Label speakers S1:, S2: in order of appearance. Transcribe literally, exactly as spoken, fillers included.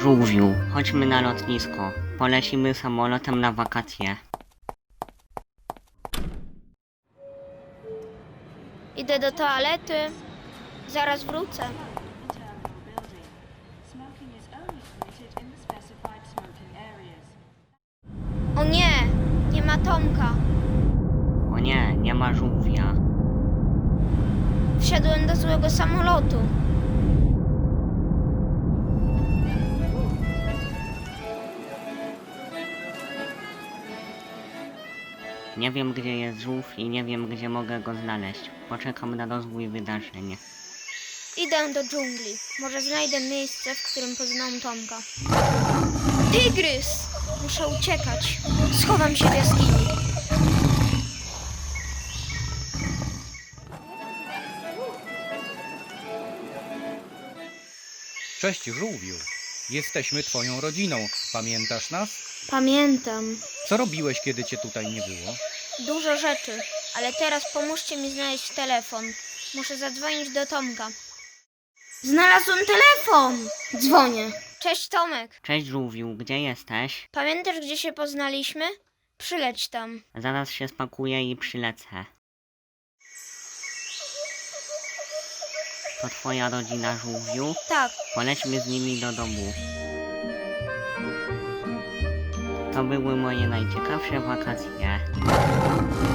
S1: Żółwiu, chodźmy na lotnisko. Polecimy samolotem na wakacje.
S2: Idę do toalety. Zaraz wrócę. O nie, nie ma Tomka.
S1: O nie, nie ma żółwia.
S2: Wsiadłem do złego samolotu.
S1: Nie wiem, gdzie jest żółw i nie wiem, gdzie mogę go znaleźć. Poczekam na rozwój wydarzeń.
S2: Idę do dżungli. Może znajdę miejsce, w którym poznam Tomka. Tygrys! Muszę uciekać. Schowam się w jaskini.
S3: Cześć żółwiu, jesteśmy twoją rodziną, pamiętasz nas?
S2: Pamiętam.
S3: Co robiłeś, kiedy cię tutaj nie było?
S2: Dużo rzeczy, ale teraz pomóżcie mi znaleźć telefon. Muszę zadzwonić do Tomka. Znalazłem telefon! Dzwonię. Cześć Tomek.
S1: Cześć żółwiu, gdzie jesteś?
S2: Pamiętasz, gdzie się poznaliśmy? Przyleć tam.
S1: Zaraz się spakuję i przylecę. To twoja rodzina żółwiu?
S2: Tak,
S1: Polećmy z nimi do domu. To były moje najciekawsze wakacje.